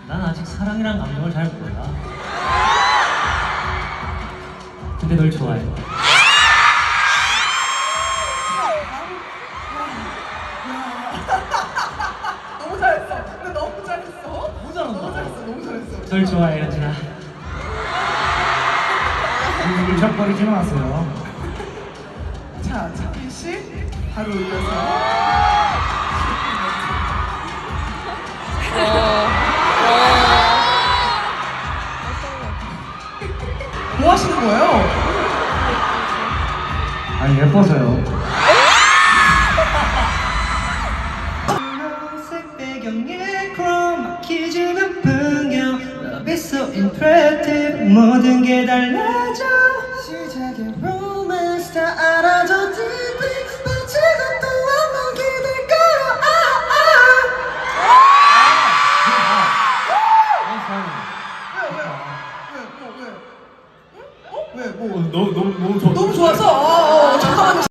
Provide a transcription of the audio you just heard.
난 아직 사랑이란 감정을 잘 몰라. 근데 널 좋아해. 너무 잘했어. 근데 너무 잘했어. 너무 잘한다. 너무 잘했어. 너무 잘했어. 널 좋아해, 현진아. 울적거리지 마세요. 자, 창민 씨 바로 이어서. 뭐 하시는 거예요? 아니 예뻐서요. 색 배경에 크로마키 주는 풍경 Love is so impressive 모든 게 달라져 시작의 로맨스 다 알아줘 deeply 빠지고 또 한번 기댈 거야 왜? 왜? 뭐? 너무 좋아. 너무 좋아서.